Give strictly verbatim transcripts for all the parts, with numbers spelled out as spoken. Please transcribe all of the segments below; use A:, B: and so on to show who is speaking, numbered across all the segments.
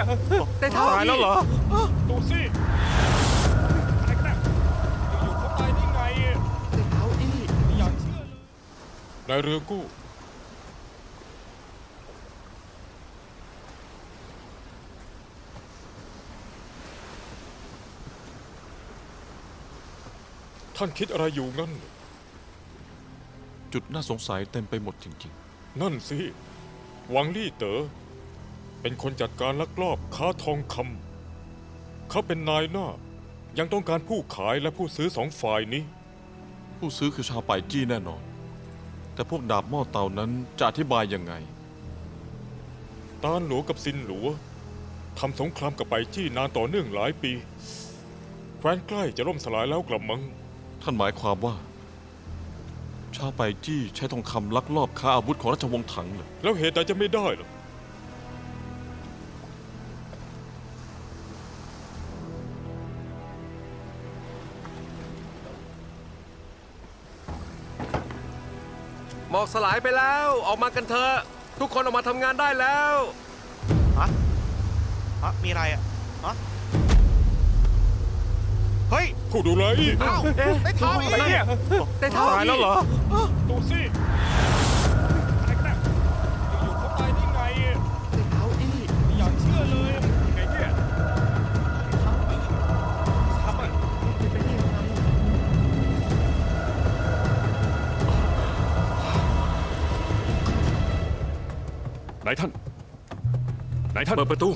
A: ได้เท้าตายแล้วเหรอดูสิอะไรกันนะอยู่ๆเขาตายได้ไงได้เท้าอี้ไม่อยากเชื่อเลยนายเรือกู้ท่านคิดอะไรอยู่งั้น
B: จุดน่าสงสัยเต็มไปหมดจริง
A: ๆนั่นสิหวังลี่เต๋อเป็นคนจัดการลักลอบค้าทองคำเขาเป็นนายหน้ายังต้องการผู้ขายและผู้ซื้อสองฝ่ายนี้
B: ผู้ซื้อคือชาวป่ายจี้แน่นอนแต่พวกดาบหม้อเตานั้นจะอธิบายยังไง
A: ตานหลวงกับซินหลวงทำสงครามกับป่ายจี้นานต่อเนื่องหลายปีแคว้นใกล้จะล่มสลายแล้วกลับมัง
B: ท่านหมายความว่าชาวป่ายจี้ใช้ทองคำลักลอบค้าอาวุธของราชวงศ์ถังเลย
A: แล้วเหตุใดจะไม่ได้ล่ะ
C: หมอกสลายไปแล้วออกมากันเถอะทุกคนออกมาทำงานได้แล้ว
D: ฮะฮะมีอะไรอ่ะฮะเฮ้ย
A: ผู้ดูแลอีก
D: อ้าวได้เท้าอีก
A: ได้เท้าตายแล้วเหรอดูสิอะไรกันนะอยู่ๆเขาตายได้ไงได้เท้าอี้ไม่อยากเชื่อเลยยังไงเนี่ยทำไมเป็นไปได้ยังไง
C: นายท่านนายท่านเปิดประตู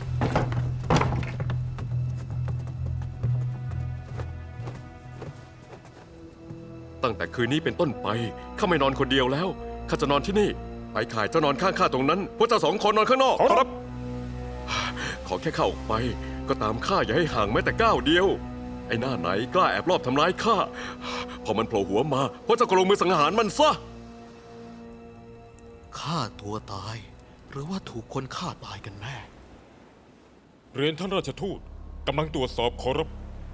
C: ตั้งแต่คืนนี้เป็นต้นไปข้าไม่นอนคนเดียวแล้วข้าจะนอนที่นี่ไปข่ายเจ้านอนข้างข้าตรงนั้นพวกเจ้าสองคนนอนข้างนอกครับขอแค่ข้าออกไปก็ตามข้าอย่าให้ห่างแม้แต่ก้าวเดียวไอ้หน้าไหนกล้าแอบลอบทำร้ายข้าพอมันโผล่หัวมาพวกเจ้าก็ลงมือสังหารมันซะ
E: ฆ่าตัวตายหรือว่าถูกคนฆ่าตายกันแน่
A: เรียนท่านราชทูตกำลังตรวจสอบขอรับ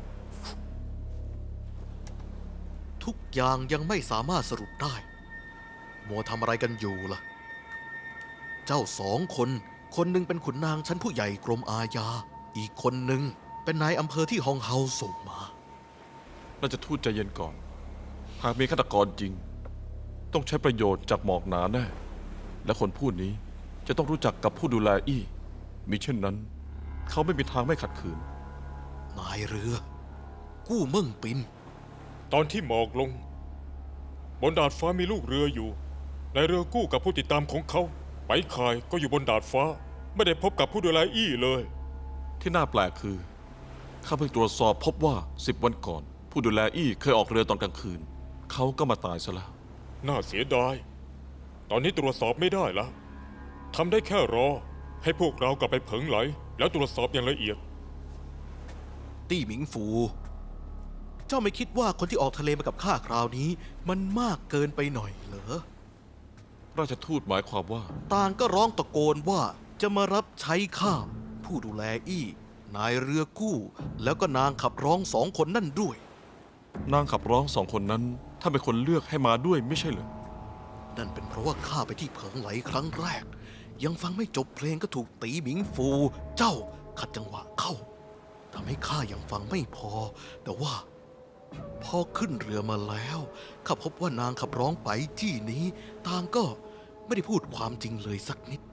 E: ทุกอย่างยังไม่สามารถสรุปได้มัวทำอะไรกันอยู่ล่ะเจ้าสองคนคนหนึ่งเป็นขุนนางชั้นผู้ใหญ่กรมอาญาอีกคนหนึ่งเป็นนายอำเภอที่ฮองเฮาส่งมา
B: น่าจะทูตใจเย็นก่อนหากมีฆาตกรจริงต้องใช้ประโยชน์จากหมอกหนาแน่และคนผู้นี้จะต้องรู้จักกับผู้ดูแลอี้มิเช่นนั้นเขาไม่มีทางไม่ขัดขืน
E: นายเรือกู้เมิ่งปิน
A: ตอนที่หมอกลงบนดาดฟ้ามีลูกเรืออยู่ในเรือกู้กับผู้ติดตามของเขาไปขายก็อยู่บนดาดฟ้าไม่ได้พบกับผู้ดูแลอี้เลย
B: ที่น่าแปลกคือข้าเพิ่งตรวจสอบพบว่าสิบวันก่อนผู้ดูแลอี้เคยออกเรือตอนกลางคืนเขาก็มาตายซะแล้ว
A: น่าเสียดายตอนนี้ตรวจสอบไม่ได้แล้วทำได้แค่รอให้พวกเรากลับไปเผิงไหลแล้วตรวจสอบอย่างละเอียด
E: ตี้หมิงฟูเจ้าไม่คิดว่าคนที่ออกทะเลมากับข้าคราวนี้มันมากเกินไปหน่อยเหรอ
B: ราชทูตหมายความว่า
E: ต่างก็ร้องตะโกนว่าจะมารับใช้ข้าผู้ดูแลอี้นายเรือกู้แล้วก็นางขับร้องสองคนนั่นด้วย
B: นางขับร้องสองคนนั้นถ้าเป็นคนเลือกให้มาด้วยไม่ใช่เหรอ
E: นั่นเป็นเพราะว่าข้าไปที่เผิงไหลครั้งแรกยังฟังไม่จบเพลงก็ถูกตีหมิงฟูเจ้าขัดจังหวะเข้าทำให้ข้ายังฟังไม่พอแต่ว่าพอขึ้นเรือมาแล้วข้าพบว่านางขับร้องไปที่นี้ต่างก็ไม่ได้พูดความจริงเลยสักนิด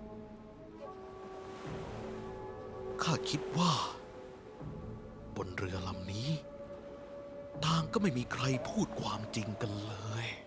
E: ข้าคิดว่าบนเรือลำนี้ต่างก็ไม่มีใครพูดความจริงกันเลย